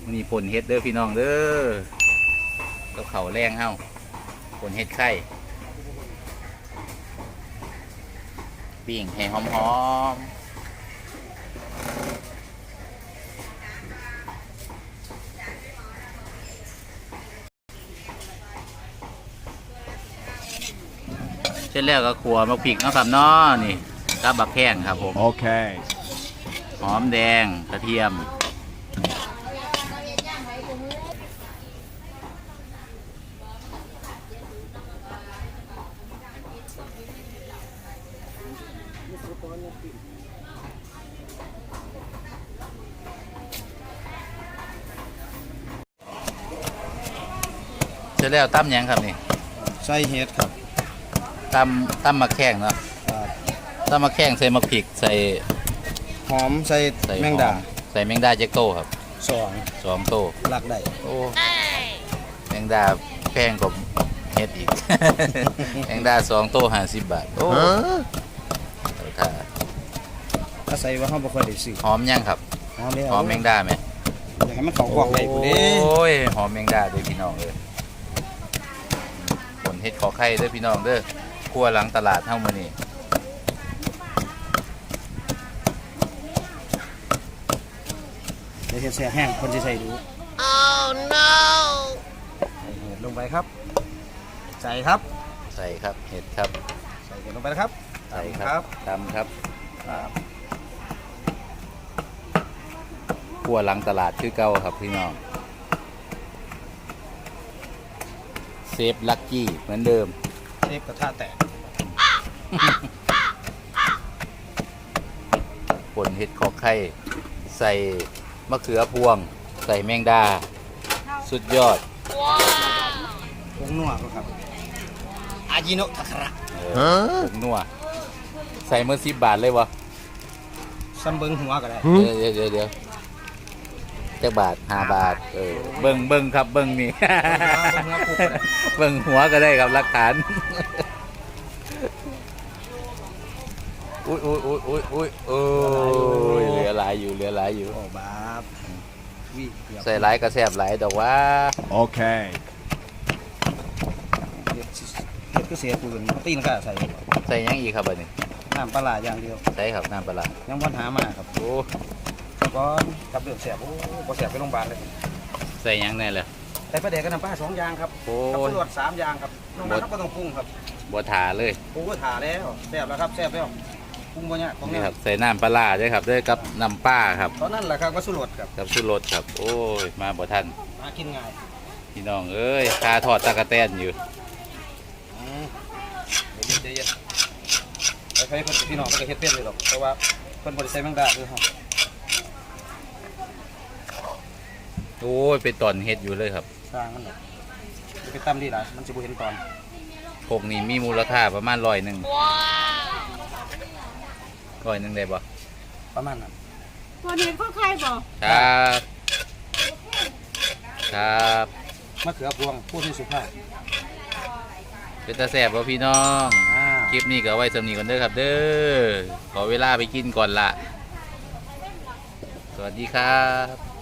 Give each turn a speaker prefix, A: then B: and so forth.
A: นี่ป่นเฮ็ดเด้อพี่น้องเด้อกับเขาแรงเฮ้าป่นเฮ็ดไข่ปิ้งให้หอมเสร็จแล้วก็ขัวมะพริกนะครับเนาะนี่กับบักแข้งครับผมโอเคหอมแดงกระเทียมเสร็จแล้วตั้มยังครับนี่
B: ใส่เห็ดครับ
A: ตั้มมะแข้งเนาะตั้มมะแข้งใส่มะพริกใส่
B: หอมใส่แมงดา
A: ใส่แมงดาเจ๊กโตครับสองโต
B: ลักได้
A: โอ้แมงดาแพงกว่าเฮ็ดอีก แมงดา2 โต50 บาทโอ้
B: ถ้าใส่ว่าเขาบ่ค่อยได้ซื้อ
A: หอมยังครับหอมแมงดาไหม
B: อยากให้มันเข้ากล่องได้พุ่นเด้
A: โอ้ยหอมแมงดาเด้อพี่น้องเด้อผลเฮ็ดขอไข่เด้อพี่น้องเด้อครัวหลังตลาดเฮามื้อนี้
B: เดี๋ยวแซ่แห้งคนสิใส่ดู
C: Oh no
B: ใส่เห็ดลงไปครับใส่ครับ
A: เห็ดครับ
B: ใส่เห็ดลงไปนะครับ
A: ใส่ครับตำครับครัวหลังตลาดคือเก่าครับพี่น้องเซฟลักกี้เหมือนเดิม
B: เซฟกระทะแตก
A: ผลเห็ดขอไข่ใส่มะเขือพวงใส่แมงดาสุดยอด
B: ผงนัวครับอาจิโนะทาคาระ
A: ผงนัวใส่เมื่อ10 บาทเลยวะ
B: ซ้ำเบิ้งหัวก็ได้
A: เดี๋ยวจักบาท5 บาทเบิ้งครับเบิ้งนี่ เบิ้งหัวก็ได้ครับหลักฐานอุ้ยเหลือหลายอยู่
B: โอ้บาป
A: ใส่หลายกระแสบหลายดอกว่า
B: โอเคเฮ็ดก็เสียปืนตีนก็ใส่
A: ยังอีกครับอันนี้
B: น้ำปลาอย่างเดียว
A: ใช่ครับน้ำปลา
B: ยังวันหามาครับโอ้ก้อนกับเดือดแสบโอ้บ่แสบไปโรงพยาบาลเลย
A: ใส่ยังไงเลย
B: ใส่ปลาแดกกับน้ำปลา2 อย่างครับกับตำรวจ3 อย่างครับน้องนั้นก็ต้องปรุงครับ
A: บัวถาเลย
B: ปรุงก็ถาแล้วแสบแล้วครับแสบแล้วปรุงบ่เนี่ย
A: นี่ครับใส่น้ำปลาด้วยครับด้วยกับน้ำปลาครับ
B: ตอนนั้นแหละครับก็สุรสครับ
A: กับสุรสครับโอ้ยมาบ่ทัน
B: มากินง่าย
A: พี่น้องเอ้ยคาทอดตะกะแตนอยู่
B: เดี๋ยวใครคนพี่น้องก็เฮ็ดเป็นเลยหรอกเพราะว่าคนบริใส่แมงดาด้วยครับ
A: โอ้ยไปตอนเฮ็ดอยู่เลยครับ
B: สร้างมันหรอกไปตำดีหลายมันจะบ่เห็นตอน
A: พวกนี้มีมูลค่าประมาณ100ได้บ่
B: ประมาณนั้น
C: ตัวนี้เขาใครบ่
A: ครับ
B: มะเขือพวงพูดให้สุภาพ
A: เป็นตาแสบบ่พี่น้องคลิปนี้ก็ไว้สำนีก่อนเด้อครับเด้อขอเวลาไปกินก่อนละสวัสดีครับ